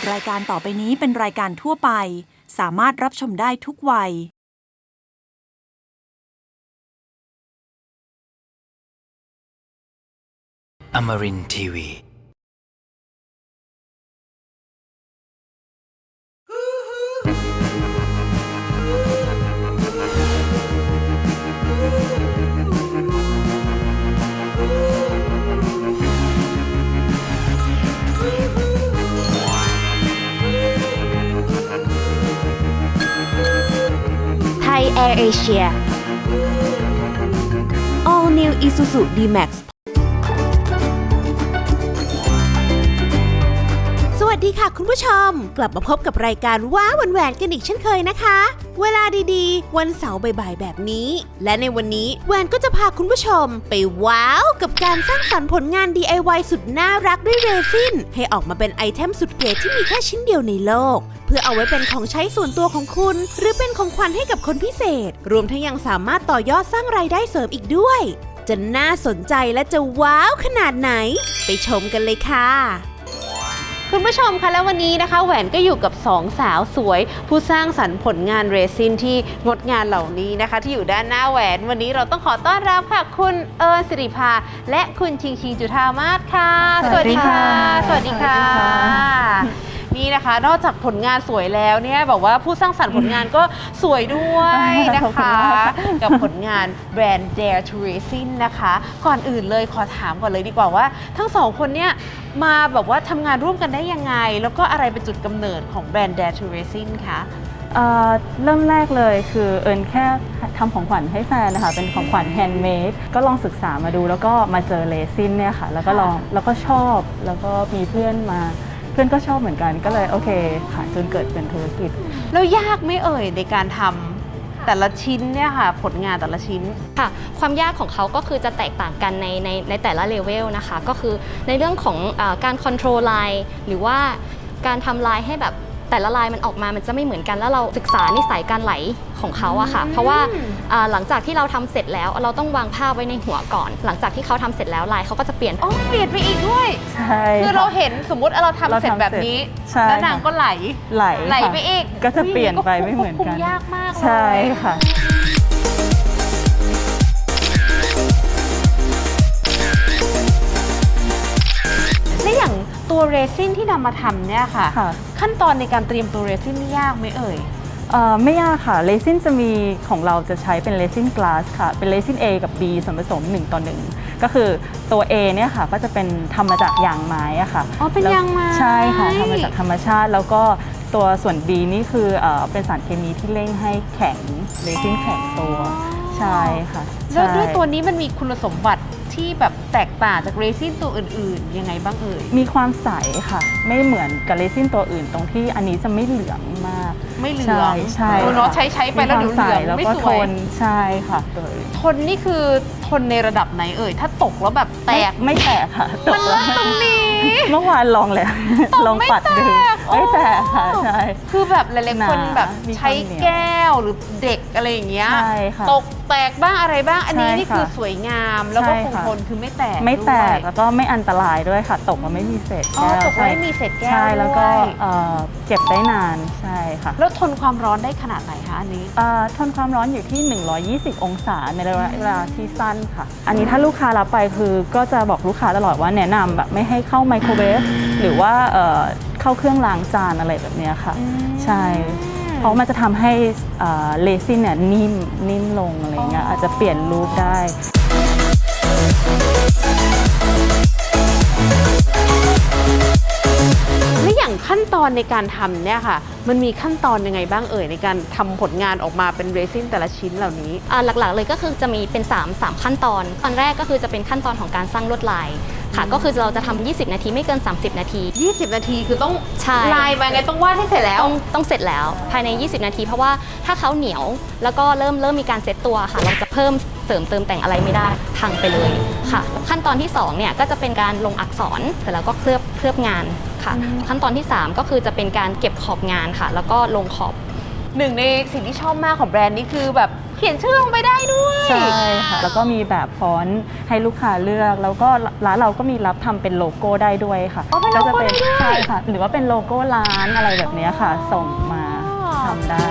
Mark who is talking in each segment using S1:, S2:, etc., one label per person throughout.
S1: รายการต่อไปนี้เป็นรายการทั่วไปสามารถรับชมได้ทุกวัย
S2: Amarin Tiwi.
S3: Thai Air Asia All New Isuzu D-Max สวัสดีค่ะคุณผู้ชมกลับมาพบกับรายการว้าวันแหวนกันอีกเช่นเคยนะคะเวลาดีๆวันเสาร์บ่ายๆแบบนี้และในวันนี้แหวนก็จะพาคุณผู้ชมไปว้าวกับการสร้างสรรค์ผลงาน DIY สุดน่ารักด้วยเรซินให้ออกมาเป็นไอเทมสุดเก๋ที่มีแค่ชิ้นเดียวในโลกเพื่อเอาไว้เป็นของใช้ส่วนตัวของคุณหรือเป็นของขวัญให้กับคนพิเศษรวมทั้งยังสามารถต่อยอดสร้างรายได้เสริมอีกด้วยจะน่าสนใจและจะว้าวขนาดไหนไปชมกันเลยค่ะคุณผู้ชมคะแล้ววันนี้นะคะแหวนก็อยู่กับ2สาวสวยผู้สร้างสรรค์ผลงานเรซินที่งดงานเหล่านี้นะคะที่อยู่ด้านหน้าแหวนวันนี้เราต้องขอต้อนรับค่ะคุณเอิญศิริภาและคุณชิงชิงจุฑามาศค่ะสวัสดีค่ะสวัสดีค่ะนี่นะคะนอกจากผลงานสวยแล้วเนี่ยบอกว่าผู้สร้างสรรค์ผลงานก็สวยด้วยนะคะกับผลงานแบรนด์ Dare to Resin นะคะก่อนอื่นเลยขอถามก่อนเลยดีกว่าว่าทั้งสองคนเนี่ยมาแบบว่าทำงานร่วมกันได้ยังไงแล้วก็อะไรเป็นจุดกำเนิดของแบรนด์ Dare to Resin คะ
S4: เริ่มแรกเลยคือเอิญแค่ทำของขวัญให้แฟนนะคะเป็นของขวัญแฮนด์เมดก็ลองศึกษามาดูแล้วก็มาเจอเรซินเนี่ยค่ะแล้วก็ลองแล้วก็ชอบแล้วก็มีเพื่อนก็ชอบเหมือนกันก็เลยโอเคค่ะจนเกิดเป็นธุรกิจ
S3: แล้วยากไม่เอ่ยในการทำแต่ละชิ้นเนี่ยค่ะผลงานแต่ละชิ้น
S5: ค่ะความยากของเขาก็คือจะแตกต่างกันในแต่ละเลเวลนะคะก็คือในเรื่องของการคอนโทรลไลน์หรือว่าการทำลายให้แบบแต่ละลายมันออกมามันจะไม่เหมือนกันแล้วเราศึกษานิสัยการไหลของเขาอะค่ะเพราะว่าหลังจากที่เราทำเสร็จแล้วเราต้องวางภาพไว้ในหัวก่อนหลังจากที่เขาทำเสร็จแล้วลายเขาก็จะเปลี่ยน
S3: เปลี่ยนไปอีกด้วย
S4: ใช่
S3: คือเราเห็นสมมุติเราทำเสร็จแบบนี้แล้วนางก็ไหลไปอีก
S4: ก็จะเปลี่ยนไปไม่เหมือนกัน
S3: ยากมากเลย
S4: ใช่ค่ะ
S3: และอย่างตัวเรซินที่นำมาทำเนี่ยค่ะขั้นตอนในการเตรียมตัวเรซินนี่ยากไหมเอ่ย
S4: ไม่ยากค่ะเรซินจะมีของเราจะใช้เป็นเรซินกลาสค่ะเป็นเรซิน A กับ B ส่วนผสม1:1ก็คือตัว A เนี่ยค่ะก็จะเป็นทำมาจากยางไม้อะค่ะ
S3: เป็นยางไม้
S4: ใช่ค่ะทำมาจากธรรมชาติแล้วก็ตัวส่วน B นี่คือเป็นสารเคมีที่เร่งให้แข็งเรซินแข็งตัวใช่ค่ะ
S3: แล้วด้วยตัวนี้มันมีคุณสมบัติที่แบบแตกต่างจากเรซินตัวอื่นๆยังไงบ้างเอ่ย
S4: มีความใสค่ะไม่เหมือนกับเรซินตัวอื่นตรงที่อันนี้จะไม่เหลืองมาก
S3: ไม่เหลือง
S4: ใช่
S3: เนาะใช้ไปแล้วเหลืองไม่สวย
S4: ใช่ค่ะ
S3: ทนนี่คือทนในระดับไหนเอ่ยถ้าตกแล้วแบบแตก
S4: ไม่แตกค่ะ
S3: ตรงนี้
S4: เมื่อวานลองเลยลองปัดดึงไม่แตกค่ะใช่
S3: คือแบบหลายๆคนแบบใช้แก้วหรือเด็กอะไรอย่างเงี้ยตกแตกบ้างอะไรบ้างอันนี้นี่คือสวยงามแล้วก็คงทนคือไม่แตก
S4: แล้วก็ไม่อันตรายด้วยค่ะตกมาไม่มีเศษแก้ว
S3: ตกไม่มีเศษแก้ว
S4: ใช่แล้วก็เก็บได้นานใช่ค่ะ
S3: แล้วทนความร้อนได้ขนาดไหนคะอันนี้
S4: ทนความร้อนอยู่ที่120องศาในระยะเวลาที่สั้นค่ะอันนี้ถ้าลูกค้ารับไปคือก็จะบอกลูกค้าตลอดว่าแนะนำแบบไม่ให้เข้าไมโครเวฟหรือว่าเข้าเครื่องล้างจานอะไรแบบนี้ค่ะใช่เพราะมันจะทำให้เรซินเนี่ยนิ่มลงอะไรเงี้ยอาจจะเปลี่ยนรูปได้
S3: และอย่างขั้นตอนในการทำเนี่ยค่ะมันมีขั้นตอนยังไงบ้างเอ่ยในการทำผลงานออกมาเป็นเรซินแต่ละชิ้นเหล่านี้
S5: หลักๆเลยก็คือจะมีเป็น3ขั้นตอนแรกก็คือจะเป็นขั้นตอนของการสร้างลวดลายค่ะก็คือเราจะทำ20 นาทีไม่เกิน30 นาที
S3: 20 นาทีคือต้องลายไปไงต้องวาดให้เสร็จแล้ว
S5: ต้องเสร็จแล้วภายใน20 นาทีเพราะว่าถ้าเขาเหนียวแล้วก็เริ่มมีการเซตตัวค่ะเราจะเพิ่มเสริมเติมแต่งอะไรไม่ได้พังไปเลยค่ะขั้นตอนที่2เนี่ยก็จะเป็นการลงอักษรแต่แล้วก็เคลือบงานค่ะขั้นตอนที่3ก็คือจะเป็นการเก็บขอบงานค่ะแล้วก็ลงขอบ
S3: หนึ่งในสิ่งที่ชอบมากของแบรนด์นี้คือแบบขียนชื่อลงไปได้ด้วย
S4: ใช่ค่ะแล้วก็มีแบบฟอนต์ให้ลูกค้าเลือกแล้วก็ร้านเราก็มีรับทำเป็นโลโก้ได้ด้วยค่ะ
S3: เป็นโลโก้ได้ด้วย
S4: ใช่ค่ะหรือว่าเป็นโลโก้ร้านอะไรแบบนี้ค่ะ ส่งมาทำได้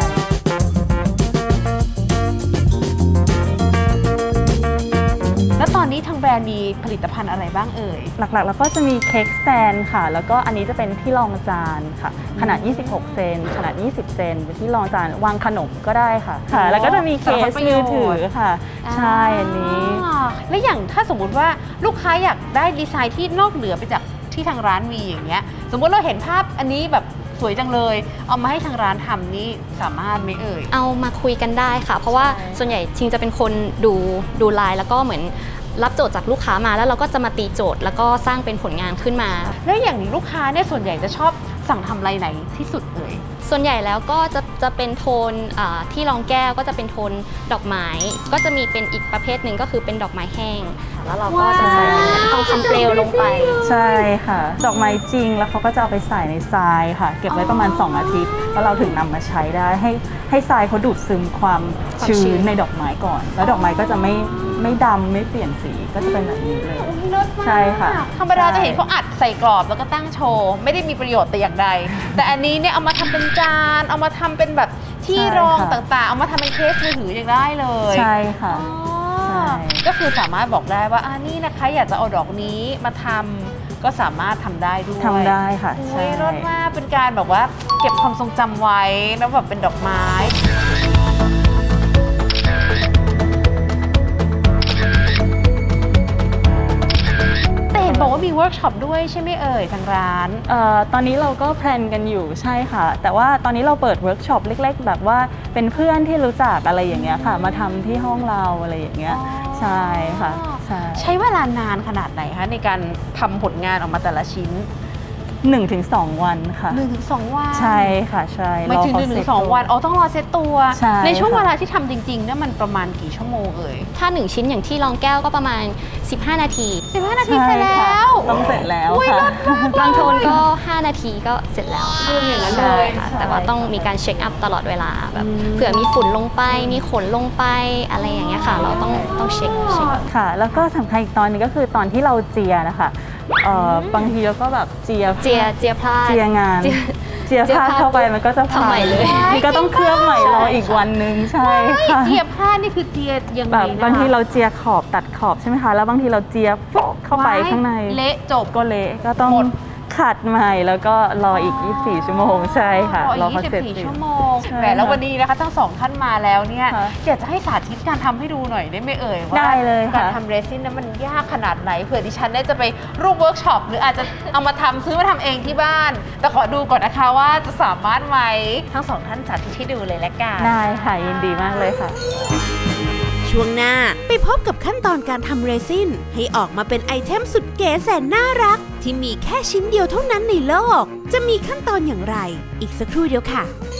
S3: แล้วตอนนี้ทางแบรนด์มีผลิตภัณฑ์อะไรบ้างเอ่ย
S4: หลักๆแล้วก็จะมีเค้กสแตนค่ะแล้วก็อันนี้จะเป็นที่รองจานค่ะขนาด26เซนขนาด20เซนเป็นที่รองจานวางขนมก็ได้ค่ะแล้วก็จะมีเคสมือถือค่ะใช่อันนี้
S3: แล้วอย่างถ้าสมมุติว่าลูกค้าอยากได้ดีไซน์ที่นอกเหนือไปจากที่ทางร้านมีอย่างเงี้ยสมมุติเราเห็นภาพอันนี้แบบสวยจังเลยเอามาให้ทางร้านทำนี่สามารถไหมเอ่ย
S5: เอามาคุยกันได้ค่ะ เพราะว่าส่วนใหญ่ชิงจะเป็นคนดูลายแล้วก็เหมือนรับโจทย์จากลูกค้ามาแล้วเราก็จะมาตีโจทย์แล้วก็สร้างเป็นผลงานขึ้นมา
S3: แล้วอย่างลูกค้าเนี่ยส่วนใหญ่จะชอบสั่งทำลายไหนที่สุดเอ่ย
S5: ส่วนใหญ่แล้วก็จะเป็นโทนที่รองแก้วก็จะเป็นโทนดอกไม้ก็จะมีเป็นอีกประเภทหนึ่งก็คือเป็นดอกไม้แห้งแล้วเราก็จะใส่เป็นทองคำเปลวลงไป
S4: ใช่ค่ะ ดอกไม้จริงแล้วเขาก็จะเอาไปใส่ในทรายค่ะ เก็บไว้ประมาณ2อาทิตย์แล้วเราถึงนำมาใช้ได้ให้ทรายเขาดูดซึมความชื้นในดอกไม้ก่อน แล้วดอกไม้ก็จะไม่ดำไม่เปลี่ยนสีก็จะเป็นแบบนี้เลยใช่ค่ะ
S3: ธรรมดาจะเห็นเขาอัดใส่กรอบแล้วก็ตั้งโชว์ไม่ได้มีประโยชน์แต่อย่างใด แต่อันนี้เนี่ยเอามาทำเป็นจานเอามาทำเป็นแบบที่รองต่างๆเอามาทำเป็นเคสมือถือยังได้เลย
S4: ใช่ค่ะ
S3: อ๋อก็คือสามารถบอกได้ว่านี่นะคะอยากจะเอาดอกนี้มาทำก็สามารถทำได้ด้วย
S4: ทำได้ค่ะ
S3: โอ้
S4: ใช่
S3: ยรสมากเป็นการแบบว่าเก็บความทรงจำไว้แล้วแบบเป็นดอกไม้แต่เห็นบอกว่ามีเวิร์กช็อปด้วยใช่ไหมเอ่ยทางร้าน
S4: ตอนนี้เราก็แพลนกันอยู่ใช่ค่ะ แต่ว่าตอนนี้เราเปิดเวิร์กช็อปเล็กๆ แบบว่าเป็นเพื่อนที่รู้จักอะไรอย่างเงี้ยค่ะ มาทำที่ห้องเราอะไรอย่างเงี้ยใช่ค่ะใช่
S3: เวลานานขนาดไหนคะในการทำผลงานออกมาแต่ละชิ้น
S4: 1-2 วันค่ะ
S3: 1-2 วัน
S4: ใช่ค่ะใช่
S3: ไม่ถึง
S4: รอเขาเซ็ต
S3: 1-2 วันต้องรอเซตตัว
S4: ใช่
S3: ในช่วง
S4: ค่ะ
S3: เวลาที่ทำจริงๆเนี่ยมันประมาณกี่ชั่วโมงเอ่ย
S5: ถ้า1ชิ้นอย่างที่รองแก้วก็ประมาณ15นาที
S3: 15 นาทีเสร็จแล้ว
S4: ต้องเสร็จแล้ว
S3: อุ๊ย
S4: ค่ะ
S5: บางโทนก็5นาทีก็เสร็จแล้ว
S3: อย่างนั้น
S5: ใช่
S3: เลย
S5: ค่ะแต่ว่าต้องมีการเช็คอัพตลอดเวลาแบบเผื่อมีฝุ่นลงไปมีขนลงไปอะไรอย่างเงี้ยค่ะ เราต้องเช็ค
S4: ค่ะ แล้วก็สำคัญอีกตอนหนึงก็คือตอนที่เราเจียนะคะบางทีเราก็แบบเจีย
S5: เจียพลาด
S4: เจียงาน เจียพลาดเข้าไปมันก็จะ
S5: ทำใหม่เลย
S4: นี่ก็ต้องเคลือบใหม่รออีกวันนึงใช่ค่ะ
S3: เจียบผ้านี่คือเจียยังไง
S4: แบบ
S3: นะคะ
S4: บางทีเราเจียขอบตัดขอบใช่ไหมคะแล้วบางทีเราเจียฟุ๊กเข้าไปข้างใน
S3: เละจบ
S4: ก็เละก็ต้อง
S3: หมด
S4: ขัดใหม่แล้วก็รออีก24ชั่วโมงใช่ค่ะ
S3: รอ
S4: เขา
S3: อีก
S4: เสร็จ
S3: 24 ชั่วโมง
S4: ใช่
S3: แหมแล้ววันนี้นะคะทั้งสองท่านมาแล้วเนี่ย
S4: ค่ะ
S3: อยากจะให้สาธิตการทำให้ดูหน่อยได้ไหมเอ่ยว่า
S4: ได้เลยค่ะ
S3: การทำเรซินนั้นมันยากขนาดไหนเผื่อดิฉันได้จะไปร่วมเวิร์กช็อปหรืออาจจะเอามาทำซื้อมาทำเองที่บ้าน แต่ขอดูก่อนนะคะว่าจะสามารถไหมทั้งสองท่านสาธิตให้ดูเลยละกัน
S4: ได้ค่ะยินดีมากเลยค่ะ
S3: ช่วงหน้าไปพบกับขั้นตอนการทำเรซินให้ออกมาเป็นไอเทมสุดเก๋แสนน่ารัก ที่มีแค่ชิ้นเดียวเท่านั้นในโลก จะมีขั้นตอนอย่างไร อีกสักครู่เดียวค่ะ